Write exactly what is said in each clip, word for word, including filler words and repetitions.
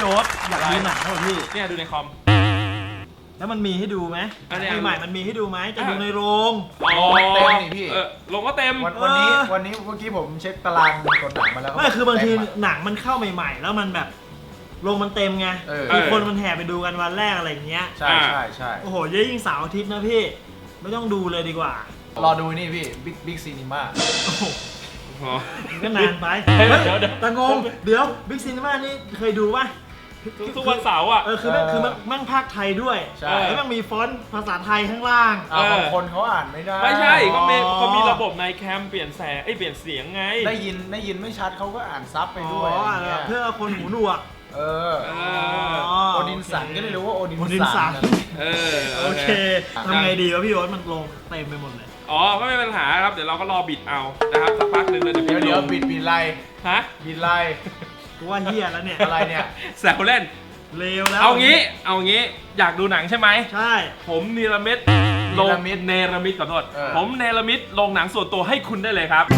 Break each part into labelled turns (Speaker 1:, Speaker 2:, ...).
Speaker 1: โอ๊ตอยากดูหนังเหรอพี่
Speaker 2: เนี่ยดูในคอม
Speaker 1: แล้วมันมีให้ดูไหม
Speaker 2: อันนี้
Speaker 1: ใหม่ๆมันมีให้ดูไหมจะดูในโรง
Speaker 2: อ๋อ
Speaker 3: เต็มนี่พี่
Speaker 2: เออลงก็เต็ม
Speaker 3: วันวันนี้วันนี้เมื่อกี้ผมเช็คตารางกดหนังมาแล้ว
Speaker 1: ไม่คือบางที
Speaker 3: เต็มะ
Speaker 1: หนังมันเข้าใหม่ๆ แล้วมันแบบโรงมันเต็มไง
Speaker 3: เออ
Speaker 1: คือคนมันแห่ไปดูกันวันแรกอะไรอย่างเงี้ย
Speaker 3: ใช่ใช่ใช่
Speaker 1: โอ้โหเยอะยิ่งเสาร์อาทิตย์นะพี่ไม่ต้องดูเลยดีกว่าร
Speaker 3: อดูนี่พี่บิ๊กบิ๊กซีนีมา
Speaker 1: โอ้โห
Speaker 2: อ๋อ
Speaker 1: มันก็นานไป
Speaker 2: เฮ้ย
Speaker 1: เฮ้ย
Speaker 2: เดี๋ยวเดี๋ยว
Speaker 1: แต่งงเดี๋ยวบิ๊กซีนีมานี่เคยดูป่ะ
Speaker 2: ทุกวันเสาร์อ่ะ
Speaker 1: เออคือแม่งคือแม่งแม่งภาคไทยด้วย
Speaker 3: ใช่
Speaker 1: แล้วแม่งมีฟอนต์ภาษาไทยข้างล่าง
Speaker 3: อ่า
Speaker 2: เออ
Speaker 3: บางคนเขาอ่านไม่ได้
Speaker 2: ไม่ใช่ก็มี
Speaker 1: อ๋อ
Speaker 2: เขามีระบบในแคมเปลี่ยนแสงไอ้ยเปลี่ยนเสียงไง
Speaker 3: ได้ยินได้ยินไม่ชัดเขาก็อ่านซับไป
Speaker 1: อ๋
Speaker 3: ด้วย
Speaker 1: อ
Speaker 3: อะไรเงี้ย
Speaker 1: เพื่อคนหูหนวก
Speaker 3: เออ
Speaker 2: เอ
Speaker 3: โอดินสันก็ได้รู้ว่าโอดิน
Speaker 1: โอดินสั
Speaker 3: สั
Speaker 1: น
Speaker 3: น
Speaker 2: เออ
Speaker 1: โอเคทำไงดีวะพี่โอ๊ตมันลงเต็มไปหมดเลย
Speaker 2: อ๋อก็ไม่เป็นปัญหาครับเดี๋ยวเราก็รอบิดเอานะครับสักพักหนึ่งเราจะบิ
Speaker 3: เดี๋ยว
Speaker 2: ด
Speaker 3: เดี๋ยว
Speaker 2: ลง
Speaker 3: บิดบิดไล
Speaker 2: ฮะ
Speaker 3: บิดไล
Speaker 1: กูว่าเฮียแล้วเนี่ย
Speaker 3: อะไรเนี่ย
Speaker 2: แซวเล่น
Speaker 1: เลวแล้ว
Speaker 2: เอางี้เอางี้อยากดูหนังใช่ไหม
Speaker 1: ใช่
Speaker 2: ผมเนรมิตลงเนรมิตขอโทษผมเนรมิตลงหนังส่วนตัวให้คุณได้เลยครับ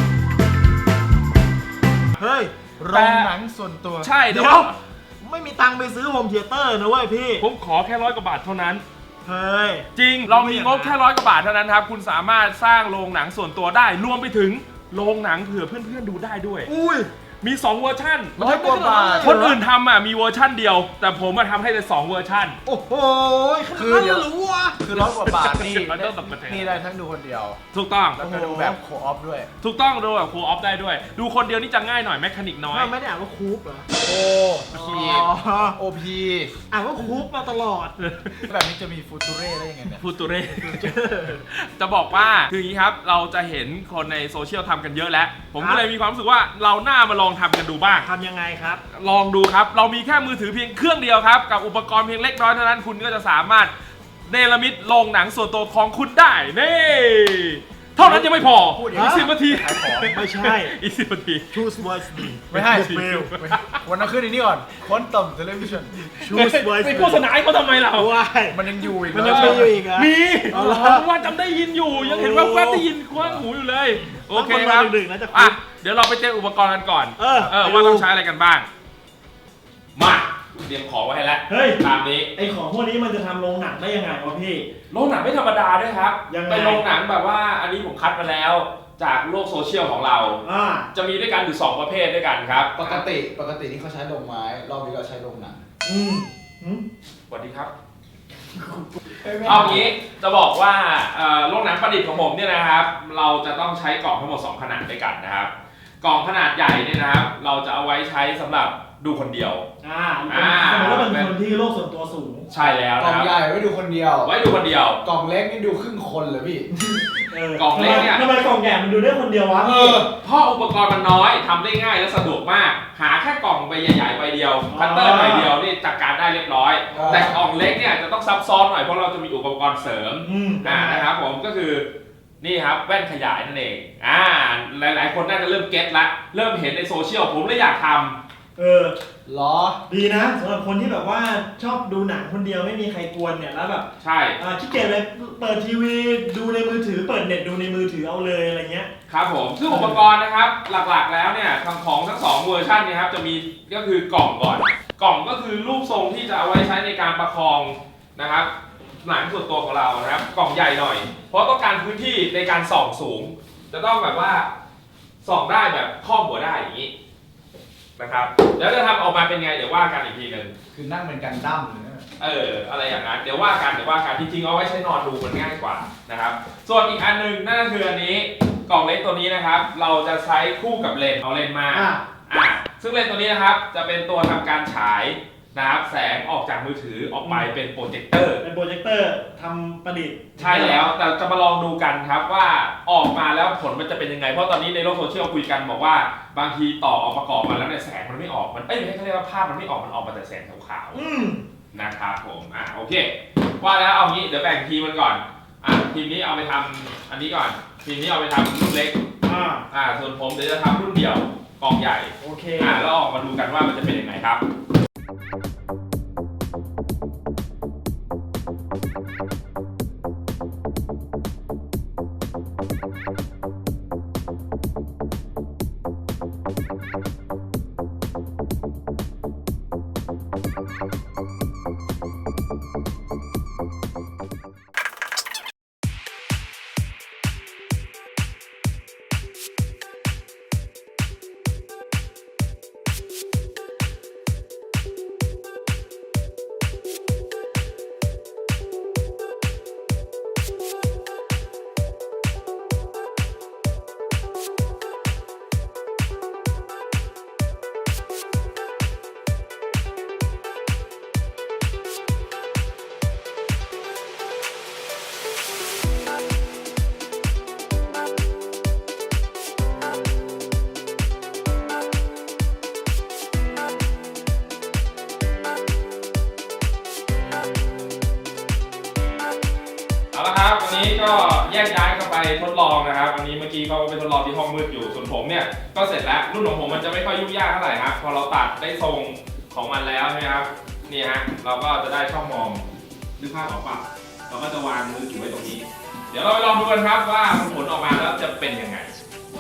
Speaker 1: เฮ้ย
Speaker 3: โรงหนังส่วนตัว
Speaker 2: ใช่เดี๋
Speaker 1: เดี๋
Speaker 2: ย
Speaker 1: ยว วไม่มีตังค์ไปซื้อโฮมเธียเตอร์นะเว้ยพี่
Speaker 2: ผมขอแค่ร้อยกว่าบาทเท่านั้น
Speaker 1: เฮ้ย
Speaker 2: จริงเรามีงบแค่ร้อยกว่าบาทเท่านั้นครับคุณสามารถสร้างโรงหนังส่วนตัวได้รวมไปถึงโรงหนังเผื่อเพื่อนๆดูได้ด้วย
Speaker 1: อุ้ย
Speaker 2: มีสองเวอร์ชัน
Speaker 3: ร้อยกว่าบาท
Speaker 2: คนอื่นทำอ่ะมีเวอร์ชันเดียว แต่ผมมาทำให้เลยสองเวอร์ชัน
Speaker 1: โอ้โหข
Speaker 3: คือ
Speaker 1: นาด
Speaker 3: เดี๋
Speaker 1: นั้
Speaker 3: ย
Speaker 1: น
Speaker 3: ว
Speaker 1: รู้วะ
Speaker 3: คือร้อยกว่าบาทนี่
Speaker 2: มันต้องตกกระเทย
Speaker 3: นี่ได้ทั้งดูคนเดียว
Speaker 2: ถูกต้อง
Speaker 3: แล้วก็ดูแบบโคออฟด้วย
Speaker 2: ถูกต้องดูแบบคูออฟได้ด้วย ดูคนเดียวนี่จะง่ายหน่อยแมคานิกน้อย
Speaker 1: ถ้าไม่ได้อ่านว่าคูปเหรอ
Speaker 3: โอพี
Speaker 1: อ๋อ
Speaker 3: โอพี
Speaker 1: อ่านว่าคูปมาตลอด
Speaker 3: แบบนี้จะมีฟูตูเร่ได้ยังไงเนี่ย
Speaker 2: ฟูตูเร จะบอกว่าคืออย่างนี้ครับเราจะเห็นคนในโซเชียลทำกันเยอะแล้ว ผม
Speaker 1: ครั
Speaker 2: ก็
Speaker 1: บ
Speaker 2: เลยมีความรู้สึกว่าเราหน้ามาลองทำกันดูบ้าง
Speaker 1: ทำยังไงครับ
Speaker 2: ลองดูครับ เรามีแค่มือถือเพียงเครื่องเดียวครับ กับอุปกรณ์เพียงเล็กน้อยเท่านั้นคุณก็จะสามารถเนรมิตโรงหนังส่วนตัวของคุณได้นี่เท่านั้นยังไม่พอ
Speaker 3: พูดอย่าง
Speaker 2: อี
Speaker 3: นี้
Speaker 2: กสิบนาที
Speaker 3: ขายของ
Speaker 1: ไม่ใช่
Speaker 2: อีกสิบนาที
Speaker 1: choose wisely
Speaker 3: ไม่ให้
Speaker 1: เฟล
Speaker 3: วันนั้นขึ้นอันนี้ก่อนคอนตัมเทเลวิชั่น
Speaker 1: choose
Speaker 2: ไป
Speaker 1: wisely
Speaker 2: โฆษณาให้เขาทำไมเรา
Speaker 1: ว้าย
Speaker 3: มันยังอยู่อีก
Speaker 1: มันยังมีอยู่อีกเหรอ
Speaker 2: มี
Speaker 1: เอาละ
Speaker 2: ว่าจำได้ยินอยู่ยังเห็นว่าแวบได้ยินคว้างหูอยู่เลย โอเค
Speaker 1: ต้อง
Speaker 2: ค
Speaker 1: มา
Speaker 2: รับ
Speaker 1: ดึกๆนะจะคุ
Speaker 2: อ่ะ
Speaker 1: ย
Speaker 2: เดี๋ยวเราไปเจออุปกรณ์กันก่อน
Speaker 1: เออ
Speaker 2: เออว่าต้องใช้อะไรกันบ้าง มาเตรียมของไว้ให้แล้ว
Speaker 1: เฮ้ย
Speaker 2: ตามนี้
Speaker 1: ไอของพวกนี้มันจะทำโรงหนังได้ยังไงวะพี่
Speaker 2: โรงหนังไม่ธรรมดาด้วยครับ
Speaker 1: ยังไง
Speaker 2: เป็นโรงหนังแบบว่าอันนี้ผมคัดมาแล้วจากโลกโซเชียลของเรา
Speaker 1: อ่า
Speaker 2: จะมีด้วยกันอยู่สองประเภทด้วยกันครับ
Speaker 4: ปกติปกตินี่เขาใช้โรงไม้ รอบนี้เราใช้โรงหนัง
Speaker 1: อืมอืม
Speaker 2: สวัสดีครับ เอางี้จะบอกว่าเอ่อโรงหนังประดิษฐ์ของผมเนี่ยนะครับ เราจะต้องใช้กล่องทั้งหมดสองขนาดด้วยกันนะครับ กล่องขนาดใหญ่เนี่ยนะครับ เราจะเอาไว้ใช้สำหรับดูคนเดียว
Speaker 1: อ่า
Speaker 2: อ่า
Speaker 1: สมมติว่าเป็นคนที่โลกส่วนตัวสูง
Speaker 2: ใช่แล้ว
Speaker 4: กล่
Speaker 2: นะ
Speaker 4: อง
Speaker 2: ครับ
Speaker 4: ใหญ่ไว้ดูคนเดียว
Speaker 2: ไว้ดูคนเดียว
Speaker 4: กล่องเล็กนี่ดูครึ่งคนเลยพี่
Speaker 1: เออก
Speaker 2: ล่องเล็กเนี่ย
Speaker 1: ทำไมกล่องใหญ่มันดูได้คนเดียววะ
Speaker 2: เออเพราะอุปกรณ์มันน้อยทำได้ง่ายและสะดวกมาก หาแค่กล่องใบใหญ่ๆใบเดียวคัตเตอร์ใบเดียวนี่จัดการได้เรียบร้อย
Speaker 4: อ่า
Speaker 2: แต่กล่องเล็กเนี่ยจะต้องซับซ้อนหน่อยเพราะเราจะมีอุปกรณ์เสริม
Speaker 1: อืม
Speaker 2: อ่านะครับผมก็คือนี่ครับแว่นขยายนั่นเองอ่าหลายๆ คนน่าจะเริ่มเก็ตละเริ่มเห็นในโซเชียลผมเลยอยากทำ
Speaker 1: เออ
Speaker 4: เหรอ
Speaker 1: ดีนะสำหรับคนที่แบบว่าชอบดูหนังคนเดียวไม่มีใครกวนเนี่ยแล้วแบบ
Speaker 2: ใช่
Speaker 1: อ่าขี้เกียจเลยเปิดทีวีดูในมือถือเปิดเน็ตดูในมือถือเอาเลยอะไรเงี้ย
Speaker 2: ครับผมซึ่งอุปกรณ์นะครับหลักๆแล้วเนี่ยทางของทั้งสองเวอร์ชันเนี่ยครับจะมีก็คือกล่องก่อน กล่องก็คือรูปทรงที่จะเอาไว้ใช้ในการประคองนะครับหนังส่วนตัวของเรานะครับกล่องใหญ่หน่อย เพราะต้องการพื้นที่ในการส่องสูง จะต้องแบบว่าส่องได้แบบครอบหัวได้อย่างนี้นะครับแล้วจะทำออกมาเป็นไงเดี๋ยวว่ากันอีกทีหนึ่ง
Speaker 4: คือนั่งเป็นกันดั้มเลยนะ
Speaker 2: เอออะไรอย่างนั้นเดี๋ยวว่ากันเดี๋ยวว่ากันจริงๆเอาไว้ใช้นอนดูมันง่ายกว่านะครับส่วนอีกอันหนึงนั่นก็คืออันนี้กล่องเล็กตัวนี้นะครับ เราจะใช้คู่กับเลนส์เอาเลนส์มา
Speaker 1: อ่า
Speaker 2: อ่าซึ่งเลนส์ตัวนี้นะครับจะเป็นตัวทำการฉายนะครับแสงออกจากมือถือออกไปเป็นโปรเจคเตอร์
Speaker 1: เป็นโปรเจคเตอร์ทำประดิษฐ์
Speaker 2: ใช่แล้วแต่จะมาลองดูกันครับว่าออกมาแล้วผลมันจะเป็นยังไง เพราะตอนนี้ในโลกโซเชียลคุยกันบอกว่าบางทีต่อออกประกอบมาแล้วเนี่ยแสงมันไม่ออกมันเอ้ยไม่ใช่เขาเรียกว่าภาพมันไม่ออกมันออกมาแต่แสงขาว
Speaker 1: อืม
Speaker 2: ๆนะครับผมอ่ะโอเคว่าแล้วเอางี้เดี๋ยวแบ่งทีมมันก่อนอ่ะทีมนี้เอาไปทำอันนี้ก่อนทีมนี้เอาไปทำรุ่นเล็ก
Speaker 1: อ่า
Speaker 2: อ่าส่วนผมเดี๋ยวจะทำรุ่นเดี่ยวกองใหญ่
Speaker 1: โอเค
Speaker 2: อ่าแล้วออกมาดูกันว่ามันจะเป็นยังไงครับเอาละครับวันนี้ก็แยกย้ายกันไปทดลองนะครับวันนี้เมื่อกี้เขาไปทดลองที่ห้องมืดอยู่ส่วนผมเนี่ยก็เสร็จแล้วรุ่นของผมมันจะไม่ค่อยยุ่งยากเท่าไหร่ครับพอเราตัดได้ทรงของมันแล้วใช่ไหมครับนี่ฮะเราก็จะได้ช่องมองนึกภาพออกปะเราก็จะวางมือถือไว้ตรงนี้ เดี๋ยวเราไปลองดูกันครับว่าผลออกมาแล้วจะเป็นยังไง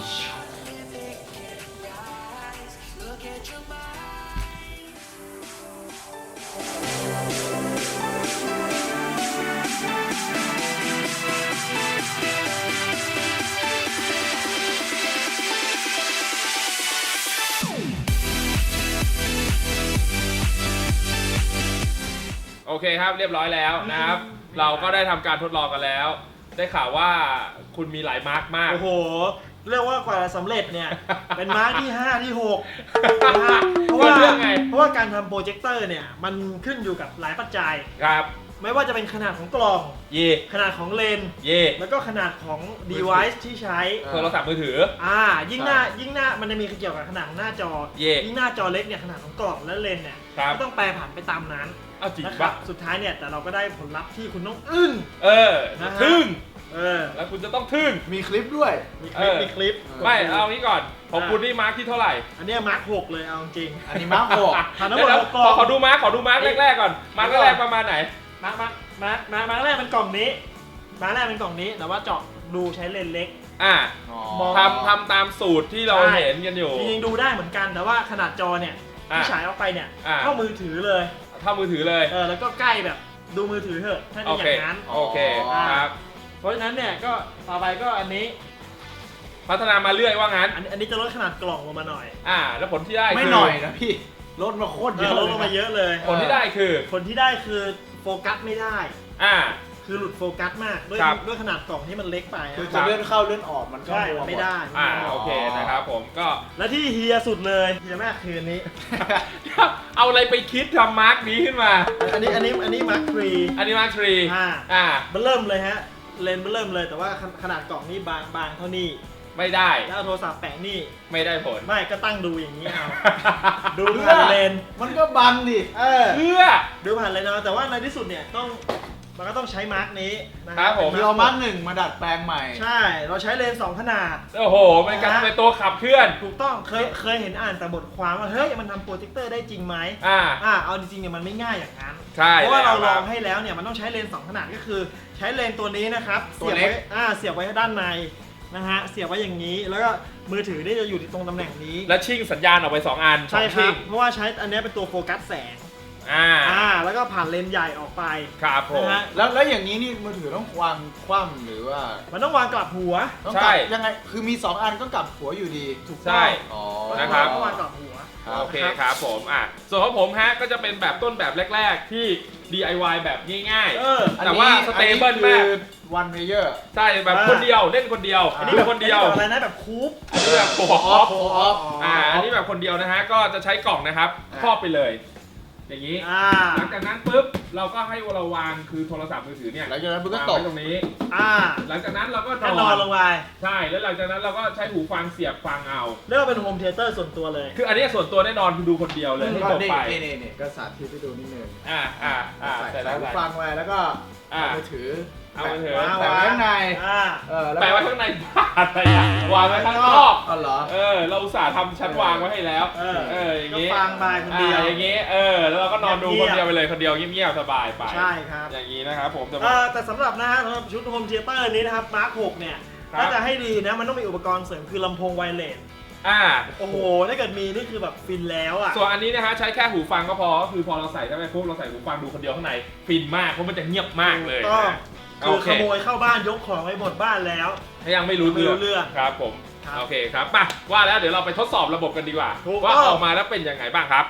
Speaker 2: โอเคครับเรียบร้อยแล้วนะครับ เราก็ได้ทำการทดลองกันแล้ว ได้ข่าวว่าคุณมีหลายมาร์กมาก
Speaker 1: โอ้โหเรียกว่ากว่าจะสำเร็จเนี่ย เป็นมาร์กที่ห้าที่หกนะฮะเพราะว่า
Speaker 2: เรื่องไง
Speaker 1: เพราะว่าการทำโปรเจคเตอร์เนี่ยมันขึ้นอยู่กับหลายปัจจัย
Speaker 2: ครับ
Speaker 1: ไม่ว่าจะเป็นขนาดของกล่อง
Speaker 2: เย่
Speaker 1: ขนาดของเลนส์
Speaker 2: เย่
Speaker 1: แล้วก็ขนาดของ device ที่ใช้
Speaker 2: โทรศัพท์มือถือ
Speaker 1: อ่ายิ่งหน้ายิ่งหน้ามันจะมีเกี่ยวกับขนาดของหน้าจอ
Speaker 2: เย่
Speaker 1: ยิ่งหน้าจอเล็กเนี่ยขนาดของกล่องและเลนส์เนี่ย
Speaker 2: ครับ
Speaker 1: ก็ต้องแปรผันไปตามนั้น
Speaker 2: เอาจริง
Speaker 1: นะค
Speaker 2: ปะ
Speaker 1: รับสุดท้ายเนี่ยแต่เราก็ได้ผลลัพธ์ที่คุณต้องอึ้ง
Speaker 2: เออ
Speaker 1: นะฮะ
Speaker 2: ทึ่ง
Speaker 1: เออ
Speaker 2: แล้วคุณจะต้องทึ่ง
Speaker 3: มีคลิปด้วย
Speaker 1: มีคลิป
Speaker 2: เออ
Speaker 1: มีคลิป
Speaker 2: ไม่เอางี้ก่อนของคุณนี่มาร์กที่เท่าไหร่
Speaker 1: อันเนี้ยมาร์คหกเลยเอาจริง
Speaker 3: อันนี้มาร์คหก
Speaker 1: ผ่านทั้งหมด
Speaker 2: เดี๋ยว
Speaker 1: หกกล่อง
Speaker 2: ขอดูมาร์กขอดูมาร์กแรกๆก่อนมาร์กแรกๆประมาณไหน
Speaker 1: มาร์คมาร์คมาร์คมาร์คมาร์คแรกเป็นกล่องนี้มาร์คแรกเป็นกล่องนี้แต่ว่าเจาะดูใช้เลนส์เล็ก
Speaker 2: อ่า
Speaker 1: มอง
Speaker 2: ทำทำตามสูตรที่เรา
Speaker 1: ใช่
Speaker 2: เห็นกันอยู่
Speaker 1: จริงๆดูได้เหมือนกันแต่ว่าขนาดจอเนี่ย
Speaker 2: อ่ะ
Speaker 1: ที่ฉายออกไปเนี่ย
Speaker 2: อ่ะ
Speaker 1: เท่ามือถือเลย
Speaker 2: เท่ามือถือเลย
Speaker 1: เออแล้วก็ใกล้แบบดูมือถือเถอะถ้า
Speaker 2: โอ
Speaker 1: จะอ
Speaker 2: เค
Speaker 1: ย่างนั้น
Speaker 2: โอเค
Speaker 3: อ๋อ
Speaker 2: ครับ
Speaker 1: เพราะฉะนั้นเนี่ยก็ต่อไปก็อันนี้
Speaker 2: พัฒนามาเรื่อยว่างั้น
Speaker 1: อันนี้อันนี้จะลดขนาดกล่องลงมาหน่อย
Speaker 2: อ่า แล้วผลที่ได้
Speaker 3: ไม่
Speaker 2: คื
Speaker 3: หน่อยนะพี่ลดมาโคตร
Speaker 1: เอ
Speaker 3: เย
Speaker 1: อ
Speaker 3: อะ
Speaker 1: ลด
Speaker 3: เล
Speaker 1: ล
Speaker 3: ย
Speaker 1: งมา
Speaker 3: นะ
Speaker 1: เยอะเลย
Speaker 2: ผลที่ได้คือ
Speaker 1: ผลที่ได้คือโฟกัสไม่ได้
Speaker 2: อ่า
Speaker 1: คือหลุดโฟกัสมากด้วย
Speaker 2: ครับ
Speaker 1: ด้วยขนาดกล่องที่มันเล็กไปอะ
Speaker 3: คือจะเลื่อนเข้าเลื่อนออกมันก็
Speaker 1: ใช่
Speaker 3: มัวห
Speaker 1: ไม่ได้
Speaker 2: อ่า โอเคนะครับผมก็
Speaker 1: และที่เฮียสุดเลยเฮียมากคืออันนี้
Speaker 2: เอาอะไรไปคิดทำมาร์กนี้ขึ้นมา
Speaker 1: อันนี้อันนี้อันนี้มาร์คทรี
Speaker 2: อันนี้มาร์กทรี
Speaker 1: อ่า
Speaker 2: อ่า
Speaker 1: มันเริ่มเลยฮะเลนส์มันเริ่มเลยแต่ว่าขขนาดกล่องนี่บางบางเท่านี้
Speaker 2: ไม่ได้
Speaker 1: แล้วเอาโทรศัพท์แปะนี่
Speaker 2: ไม่ได้ผล
Speaker 1: ไม่ก็ตั้งดูอย่างนี้เอา ดู
Speaker 3: เพื่
Speaker 1: ผ่าน
Speaker 3: อ
Speaker 1: เลนส์
Speaker 3: มันก็บังดิ
Speaker 1: เออ
Speaker 2: เพื่อ
Speaker 1: ดูผ่านเลนส์เอาแต่ว่าในที่สุดเนี่ยต้องมันก็ต้องใช้มาร์กนี้นะ
Speaker 2: ครับผม
Speaker 3: คือเอามาร์คหนึ่งมาดัดแปลงใหม่
Speaker 1: ใช่ เราใช้เลนส์สองขนาด
Speaker 2: โอ้โหเป็นการเป็นตัวขับเคลื่อน
Speaker 1: ถูกต้องเคยเคยเห็นอ่านแต่บทความว่าเฮ้ยมันทำโปรเจคเตอร์ได้จริงไหม
Speaker 2: อ่า
Speaker 1: อ่าเอาจริงๆเนี่ยมันไม่ง่ายอย่างนั้น
Speaker 2: ใช่
Speaker 1: เพราะว่าเราล
Speaker 2: แล้
Speaker 1: อ
Speaker 2: ค
Speaker 1: ง
Speaker 2: บ
Speaker 1: ให้แล้วเนี่ยมันต้องใช้เลนส์สองขนาดก็คือใช้เลนส์ตัวนี้นะครับ
Speaker 3: ตัว
Speaker 1: เสียบ
Speaker 3: เล็ก
Speaker 1: ไว้อ่าเสียบไว้ด้านในนะฮะเสียบไว้อย่างนี้ แล้วก็มือถือนี่จะอยู่ที่ตรงตำแหน่งนี้
Speaker 2: แล้วชิ่งสัญญาณออกไปสองอัน
Speaker 1: ใช่
Speaker 2: สอง
Speaker 1: ครั
Speaker 2: ชิ่
Speaker 1: บ
Speaker 2: ง
Speaker 1: เพราะว่าใช้อันนี้เป็นตัวโฟกัสแสง
Speaker 2: อ่า
Speaker 1: อ่าแล้วก็ผ่านเลนส์ใหญ่ออกไป
Speaker 2: ครับผม
Speaker 1: นะฮะ
Speaker 3: แล้วแล้วอย่างนี้นี่มือถือต้องวางคว่ำหรือว่า
Speaker 1: มันต้องวางกลับหัว
Speaker 3: ต้อง
Speaker 2: ใช่
Speaker 3: กลับยังไงคือมีสองอันก็กลับหัวอยู่ดี
Speaker 1: ถูก
Speaker 2: ใช่
Speaker 1: ต้อง
Speaker 3: อ๋อ
Speaker 2: นะครับ
Speaker 1: ต้องวางกลับหัว
Speaker 2: โอเคครับผมอ่ะส่วนของผมฮะก็จะเป็นแบบต้นแบบแรก ๆ ที่ ดี ไอ วาย แบบง่าย
Speaker 1: เออ
Speaker 2: ๆ แต่ว่าสเตเบิลมาก
Speaker 3: วันเพเยอร์
Speaker 2: ใช่แบบ
Speaker 1: อ่า
Speaker 2: คนเดียวเล่นคนเดียว
Speaker 1: อัน
Speaker 2: ดู
Speaker 1: นี้แบบ
Speaker 2: คนเดียว
Speaker 1: อันนี้แบบอะไรนะแบบคูป
Speaker 2: อันนี้แบบโผล่ออฟ
Speaker 3: โผล่ออฟ
Speaker 2: อ่าอันนี้แบบคนเดียวนะฮะก็จะใช้กล่องนะครับ
Speaker 3: อ่า
Speaker 2: ครอบไปเลย อย่างนี้
Speaker 1: อ่า
Speaker 2: หลังจากนั้นปุ๊บเราก็ให้เราวางคือโทรศัพท์มือถือเนี่ย
Speaker 3: หลังจากนั้นมันก็
Speaker 2: วาง
Speaker 3: ตก
Speaker 2: ไว้ตรงนี้
Speaker 1: อ่า
Speaker 2: หลังจากนั้นเราก็
Speaker 1: ก็นอนลงไป
Speaker 2: ใช่แล้วหลังจากนั้นเราก็ใช้หูฟังเสียบฟังเอา
Speaker 1: เรียกว่าเป็นโฮมเทเตอร์ส่วนตัวเลย
Speaker 2: คืออันนี้ส่วนตัวแน่นอนคือดูคนเดียวเลยให้
Speaker 3: ก็
Speaker 2: จบ
Speaker 3: นี่
Speaker 2: ไป
Speaker 3: นี่นี่นี่ก็สาธิตให้ดูนิดนึง
Speaker 2: อ่าอ่าอ่า
Speaker 3: ใส่
Speaker 2: ใส่
Speaker 3: ใส่
Speaker 2: แล้ว
Speaker 3: หู
Speaker 2: ใส่
Speaker 3: ฟังไว้แล้วก็
Speaker 2: อ่า
Speaker 3: เอามือถือ
Speaker 2: เอามือถือ
Speaker 3: แปะไว้ข้างใน
Speaker 1: อ่า
Speaker 3: เออแล้ว
Speaker 2: แปะไว้ข้างในบ้านอะไรอ่ะวางไว้ข้างนอก
Speaker 3: อ๋อเหรอ
Speaker 2: เออเราอุตส่าห์ทำชั้นวางไว้ให้แล้ว
Speaker 1: เออ
Speaker 2: เอออย่าง
Speaker 1: ก็
Speaker 2: งี้
Speaker 1: ฟังไปคนเดียว
Speaker 2: อ่าอย่างงี้เออแล้วเราก็นอนดู
Speaker 1: เงี
Speaker 2: ค
Speaker 1: ยบๆ
Speaker 2: นเดียวไปเลยคนเดียวเงียบๆสบายไป
Speaker 1: ใช่ครับ
Speaker 2: อย่างนี้นะครับผมแต่
Speaker 1: เอ
Speaker 2: ว่า
Speaker 1: อแต่สำหรับนะฮะสำหรับชุดโฮมเทเตอร์นี้นะครับมาร์คหกเนี่ย
Speaker 2: ครับ
Speaker 1: ถ้าจะให้ดีนะมันต้องมีอุปกรณ์เสริมคือลำโพงไวเลส
Speaker 2: อ่า
Speaker 1: โอ้โหถ้าเกิดมีนี่คือแบบฟินแล้วอ่ะ
Speaker 2: ส่วนอันนี้นะฮะใช้แค่หูฟังก็พอก็คือพอเราใส่เข้าไปปุ๊บเราใส่หูฟังดูคนเดียวข้างในฟินมากเพราะมันจะเงียบมากเลย
Speaker 1: ก็
Speaker 2: นะ
Speaker 1: คือ
Speaker 2: โอเค
Speaker 1: ขโมยเข้าบ้านยกของไปหมดบ้านแล้ว
Speaker 2: ถ้ายังไม่รู้
Speaker 1: ไม่รู้เรื่อง
Speaker 2: ครับผม
Speaker 1: ครับ
Speaker 2: โอเคครับป่ะว่าแล้วเดี๋ยวเราไปทดสอบระบบกันดีกว่า
Speaker 1: ถูก
Speaker 2: ว่า
Speaker 1: ต้อง
Speaker 2: ออกมาแล้วเป็นยังไงบ้างครับ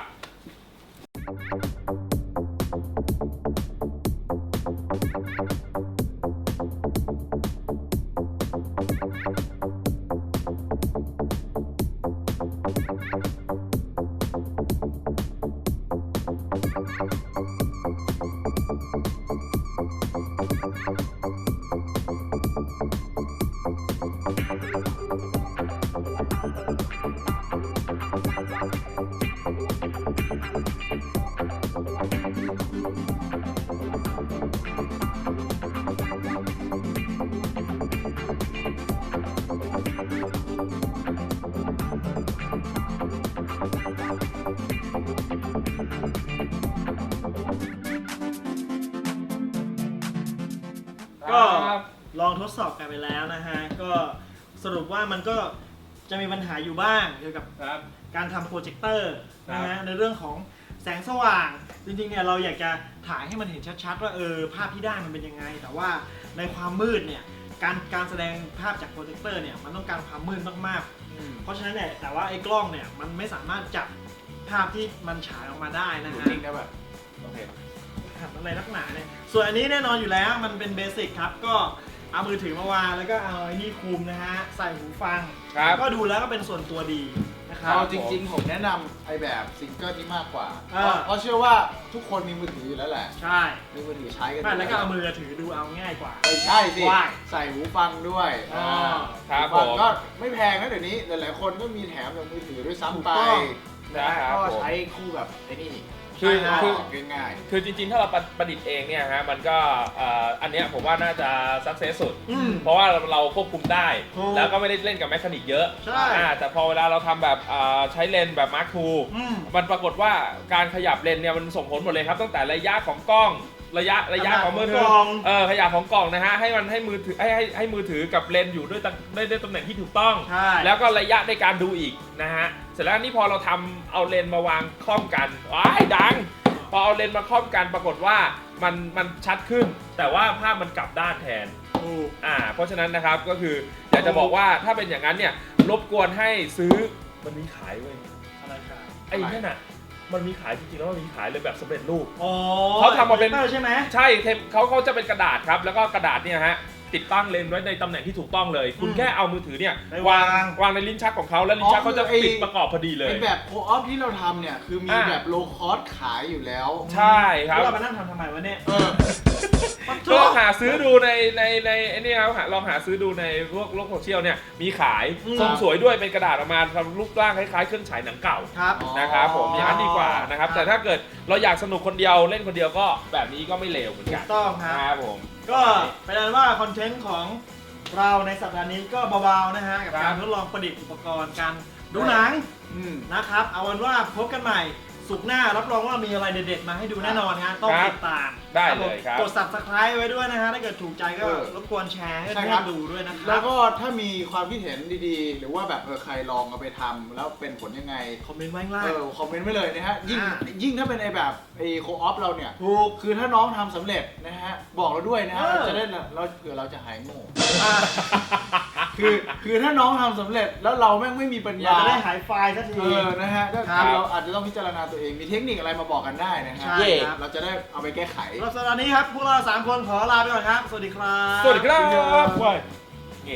Speaker 1: ก็
Speaker 2: ครับ
Speaker 1: ลองทดสอบกันไปแล้วนะฮะก็สรุปว่ามันก็จะมีปัญหาอยู่บ้างเกี่ยวกับ
Speaker 2: ครับ
Speaker 1: การทำโปรเจคเตอร์นะ
Speaker 2: ครั
Speaker 1: ฮะ
Speaker 2: บ
Speaker 1: ในเรื่องของแสงสว่าง จริงๆเนี่ยเราอยากจะถ่ายให้มันเห็นชัดๆว่าเออภาพที่ได้มันเป็นยังไง แต่ว่าในความมืดเนี่ยการการแสดงภาพจากโปรเจคเตอร์เนี่ยมันต้องการความมืดมากๆ เพราะฉะนั้นเนี่ยแต่ว่าไอ้กล้องเนี่ยมันไม่สามารถจับภาพที่มันฉายออกมาได้นะ
Speaker 3: ดู
Speaker 1: ฮะ
Speaker 3: จริงนะแบบ
Speaker 2: โอเค
Speaker 1: หัดอะไรนักหนาเนี่ยส่วนอันนี้แน่นอนอยู่แล้วมันเป็นเบสิกครับก็เอามือถือมาวางแล้วก็เอาไอ้นี่คลุมนะฮะใส่หูฟัง
Speaker 2: ครับ
Speaker 1: ก็ดูแล้วก็เป็นส่วนตัวดีนะครับ
Speaker 3: เอาจริงๆ ผมแนะนำไอแบบซิงเกิลนี้มากกว่า
Speaker 1: เออ
Speaker 3: เพราะเชื่อว่าทุกคนมีมือถืออยู่แล้วแหละ
Speaker 1: ใช่
Speaker 3: มีมือถือใช้กัน
Speaker 1: ไม่แล้วก็เอามือถือดูเอาง่ายกว่า
Speaker 3: ไม่ใช่สิ
Speaker 1: ว่าย
Speaker 3: ใส่หูฟังด้วย
Speaker 1: อ๋อ
Speaker 2: ครับ
Speaker 3: หูฟัง
Speaker 2: ผม
Speaker 3: ก็ไม่แพงนะเดี๋ยวนี้หลายๆคนก็มีแถมจากมือถือด้วยซ้ำไป
Speaker 1: ถูกต้อง
Speaker 3: นะฮะ
Speaker 2: ครับ
Speaker 3: ก็
Speaker 2: ผม
Speaker 3: ใช้คู่กับไอ้นี่
Speaker 2: คือ
Speaker 3: ใช้
Speaker 2: คือ
Speaker 3: ง่าย
Speaker 2: คือจริงๆ ถ้าเราประดิษฐ์เองเนี่ยฮะมันก็เอ่ออันเนี้ยผมว่าน่าจะสักเซสสุด
Speaker 1: อืม
Speaker 2: เพราะว่าเราควบคุมได้
Speaker 1: ถูก
Speaker 2: แล้วก็ไม่ได้เล่นกับแมคานิกเยอะ
Speaker 1: ใช่
Speaker 2: อ่าแต่พอเวลาเราทำแบบอ่าใช้เลนส์แบบมาร์คทู
Speaker 1: อืม
Speaker 2: มันปรากฏว่าการขยับเลนส์เนี่ยมันส่งผลหมดเลยครับ ตั้งแต่ระยะของกล้องระยะระยะของมือถื
Speaker 1: ข
Speaker 2: อ
Speaker 1: นาดของกล่อง
Speaker 2: เออขยับของกล่องนะฮะให้มันให้มือถือให้ให้ให้มือถือกับเลนส์อยู่ด้วยตำด้วยด้วยตำแหน่งที่ถูกต้อง
Speaker 1: ใช่
Speaker 2: แล้วก็ระยะในการดูอีกนะฮะ เสร็จแล้วนี่พอเราทำเอาเลนส์มาวางคล่อมกันว้ายดัง พอเอาเลนส์มาคล่อมกันปรากฏว่ามันมันชัดขึ้น แต่ว่าภาพมันกลับด้านแทน
Speaker 1: ถูก
Speaker 2: อ่า เพราะฉะนั้นนะครับก็คืออยากจะบอกว่าถ้าเป็นอย่างนั้นเนี่ยรบกวนให้ซื้อมันมีขายเว้ย
Speaker 1: อะไรครับ
Speaker 2: ไอ้นั่นน่ะมันมีขายจริงๆแล้วมันมีขายเลยแบบสำเร็จรูป
Speaker 1: อ๋อ
Speaker 2: เขาทำมาเป็น
Speaker 1: โปรจคตอร์ใช่ไหม
Speaker 2: ใช่เทมเขาเขาจะเป็นกระดาษครับ แล้วก็กระดาษเนี่ยฮะติดตั้งเลนส์ไว้ในตำแหน่งที่ถูกต้องเลย คุณ
Speaker 1: อืม
Speaker 2: แค่เอามือถือเนี่ย
Speaker 1: ไปวาง
Speaker 2: วางในลิ้นชักของเขาแล้วลิ้นชักเขาจะ
Speaker 3: อ๋อคือไอ้
Speaker 2: ปิดประกอบพอดี
Speaker 3: ๆ
Speaker 2: เลย
Speaker 3: ไอแบบโคออฟที่เราทำเนี่ย คือมี
Speaker 2: อ่า
Speaker 3: แบบโลคอสขายอยู่แล้ว
Speaker 2: ใช่ครับ
Speaker 1: แล้วเรามานั่งทำทำไมวะเนี่ย
Speaker 3: เออ
Speaker 2: ก็ลองหาซื้อดูในในในไอ้นี่ครับหาลองหาซื้อดูในพวกโลกโซเชียลเนี่ยมีขาย
Speaker 1: อืม
Speaker 2: ทรงสวยด้วยเป็นกระดาษออกมาทำรูปร่างคล้ายๆเครื่องฉายหนังเก่า
Speaker 1: ครับ
Speaker 3: อ๋อ
Speaker 2: นะครับผมอย่างนั้นดีกว่านะครับ
Speaker 1: ครับ
Speaker 2: แต่ถ้าเกิดเราอยากสนุกคนเดียวเล่นคนเดียวก็แบบนี้ก็ไม่เลวเหมือน
Speaker 1: ถู
Speaker 2: กัน
Speaker 1: กต้องครับ
Speaker 2: ครับผม
Speaker 1: ก็เป็นอันว่าคอนเทนต์ของเราในสัปดาห์นี้ก็เบาๆนะฮะกับ
Speaker 2: ครั
Speaker 1: การ
Speaker 2: บ
Speaker 1: ทดลองประดิษฐ์อุปกรณ์การดูหนัง
Speaker 3: อืม
Speaker 1: นะครับ เอาวันว่าพบกันใหม่สุกร์หน้ารับรองว่ามีอะไรเด็ดๆมาให้ดูแน่นอนฮะต้อง
Speaker 2: ครับ
Speaker 1: ติดตาม
Speaker 2: ได้เลยครับ
Speaker 1: กด subscribe ไว้ด้วยนะฮะถ้าเกิดถูกใจก็
Speaker 3: เออ
Speaker 1: รบกวนแชร์ให้
Speaker 3: ใช่
Speaker 1: เพื่
Speaker 3: ครั
Speaker 1: อบ นดูด้วยนะค
Speaker 3: แล้
Speaker 1: รั
Speaker 3: ว
Speaker 1: บ
Speaker 3: ก็ถ้ามีความคิดเห็นดีๆ หรือว่าแบบเออใครลองเอาไปทำแล้วเป็นผลยังไง
Speaker 1: คอมเมนต์ไว้ข้างล่าง
Speaker 3: เออคอมเมนต์ไว้เลยนะฮะ ยิ่ง
Speaker 1: อ่า
Speaker 3: ยิ่งถ้าเป็นไอแบบไอโคออฟเราเนี่ย
Speaker 1: ถูก
Speaker 3: คือถ้าน้องทำสำเร็จนะฮะ บอกเราด้วยนะฮะ
Speaker 1: เออ
Speaker 3: เราจะได้เราเผื่อเราจะหายโง่
Speaker 1: อ่ะ
Speaker 3: คือคือถ้าน้องทำสำเร็จแล้วเราแม่งไม่มีปัญ
Speaker 1: อยาก
Speaker 3: ญา
Speaker 1: จะได้หายไฟล์สักที
Speaker 3: เออนะฮะก็
Speaker 1: ครับ
Speaker 3: เราอาจจะต้องพิจารณาตัวเองมีเทคนิคอะไรมาบอกกันได้นะฮะ
Speaker 1: ใช่ครับ
Speaker 3: เราจะได้เอาไปแก้ไข
Speaker 1: สำหรับสัปดาห์นี้ครับ พวกเราสามคนขอลาไปก่อนครับ สวัสดีครับ
Speaker 2: สวัสดีครับว้ายนี่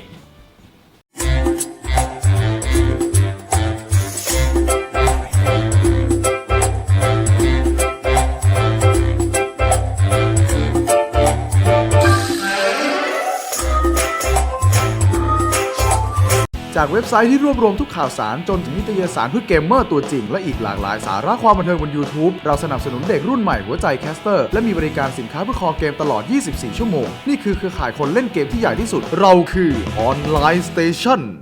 Speaker 5: จากเว็บไซต์ที่รวบรวมทุกข่าวสารจนถึงนิตยสารเพื่อเกมเมอร์ตัวจริงและอีกหลากหลายสาระความบันเทิงบน YouTube เราสนับสนุนเด็กรุ่นใหม่หัวใจแคสเตอร์และมีบริการสินค้าเพื่อคอเกมตลอด ยี่สิบสี่ ชั่วโมง นี่คือเครือข่ายคนเล่นเกมที่ใหญ่ที่สุด เราคือออนไลน์สเตชัน